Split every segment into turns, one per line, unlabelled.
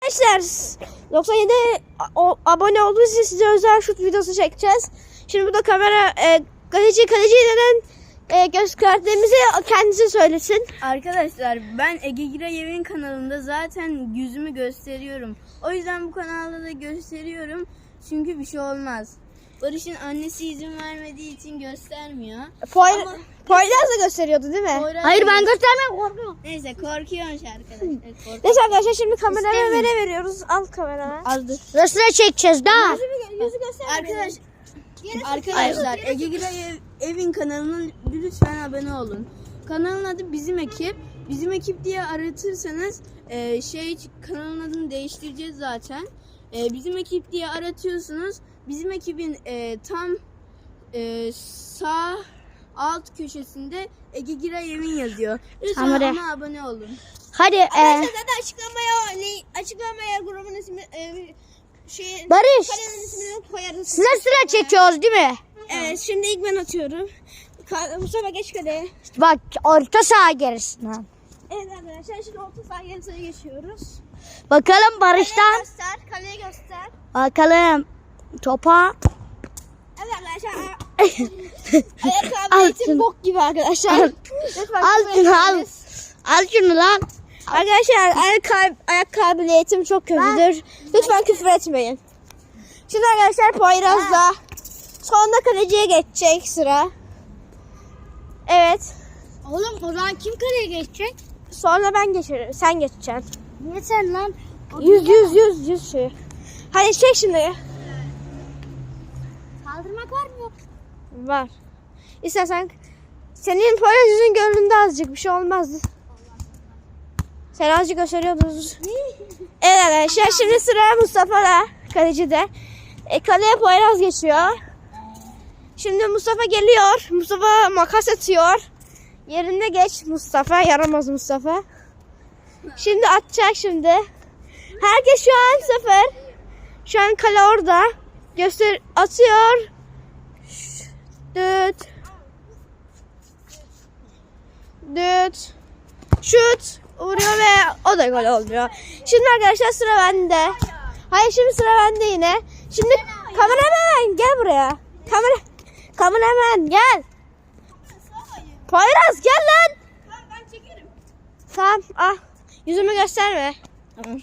Arkadaşlar 97 abone olduğunuz için size özel şut videosu çekeceğiz. Şimdi burada kamera kaleci neden göz kartlarımızı kendisi söylesin.
Arkadaşlar ben Ege Girayev'in kanalında zaten yüzümü gösteriyorum. O yüzden bu kanalda da gösteriyorum. Çünkü bir şey olmaz. Barış'ın annesi izin vermediği için göstermiyor.
Poyraz da gösteriyordu değil mi?
Hayır ben göstermem, korkuyorum.
Neyse korkuyormuş arkadaşlar.
Neyse arkadaşlar şimdi kameraya veriyoruz. Al kameraya.
Azdır.
Resme çekeceğiz daha.
Yüzü göster.
Arkadaşlar Ege Girayev'in kanalına lütfen abone olun. Kanalın adı Bizim Ekip. Bizim Ekip diye aratırsanız kanalın adını değiştireceğiz zaten. Bizim Ekip diye aratıyorsunuz. Bizim Ekibin tam sağ alt köşesinde Ege Girayev'in yazıyor. Lütfen
Kamera.
ona abone olun.
Hadi
Zaten açıklamaya grubun ismi
Barış,
kanalın ismini koyarız.
sıra çekiyoruz değil mi?
Evet şimdi ilk ben atıyorum. Mustafa geç kaleye.
Bak orta saha gerisine.
Evet arkadaşlar şimdi orta saha gerisine geçiyoruz.
Bakalım Barış'tan.
Kaleye göster.
Bakalım topa.
Evet arkadaşlar. Ayakkabı bok gibi arkadaşlar. Lütfen
Al şunu lan.
Arkadaşlar ayak kabiliyetim çok kötüdür. Lütfen küfür etmeyin. Şimdi arkadaşlar Poyraz'da sonunda kaleciye geçecek sıra. Evet.
Oğlum o zaman kim kaleye geçecek?
Sonra ben geçerim. Sen geçeceksin.
Niye sen lan?
100 şey. Hadi çek şimdi.
Kaldırmak var mı?
Var. İstersen senin Poyraz yüzün göründü azıcık. Bir şey olmazdı. Sen azıcık gösteriyordunuz. Evet arkadaşlar şimdi sıra Mustafa'da. Kalecide. Kaleye Poyraz geçiyor. Şimdi Mustafa geliyor. Mustafa makas atıyor. Yerinde geç Mustafa. Yaramaz Mustafa. Şimdi atacak şimdi. Herkes şu an sıfır. Şu an kale orada. Atıyor. Düt. Şut. Vuruyor ve o da gol olmuyor. Şimdi arkadaşlar sıra bende. Hayır şimdi sıra bende yine. Şimdi kameraman gel buraya. Kameraman gel. Poyraz gel lan. Ben çekerim. Tamam ah. Yüzümü gösterme.
Tamam.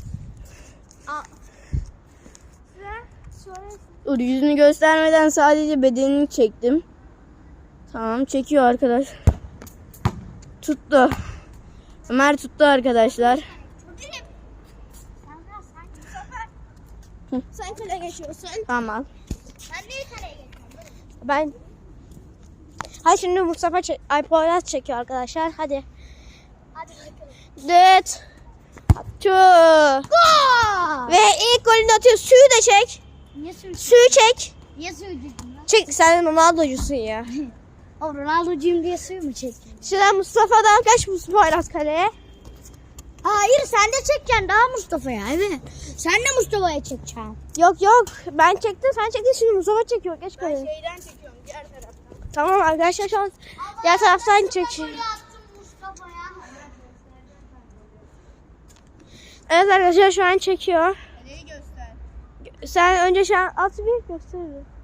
Sonra
Yüzünü göstermeden sadece bedenini çektim. Tamam çekiyor arkadaş. Tuttu. Ömer tuttu arkadaşlar.
sen kaleye geçiyorsun.
Tamam.
Ben niye kaleye geçiyorum?
Ben Hayır şimdi Mustafa Poyraz çekiyor arkadaşlar. Hadi.
Hadi bakalım.
Düt. Ve ilk golünü atıyor. Suyu da çek.
Niye söylüyorsun?
Suyu çek.
Niye söylüyorsun lan?
Çek sen Ronaldo'cusun ya.
O Ronaldo'cuyum diye suyu mu çektin?
Şimdi Mustafa'dan kaç Poyraz kaleye?
Hayır sen de çekeceksin daha Mustafa'ya evet. Sen de Mustafa'ya çekeceksin.
Yok ben çektim sen çektin şimdi Mustafa çekiyor geç kaleye.
Şeyden çekiyorum diğer taraftan.
Tamam arkadaşlar şu an diğer taraftan çekiyor.
Attım Mustafa'ya.
Evet arkadaşlar şu an çekiyor.
Neyi göster?
Sen önce şu an at bir göster.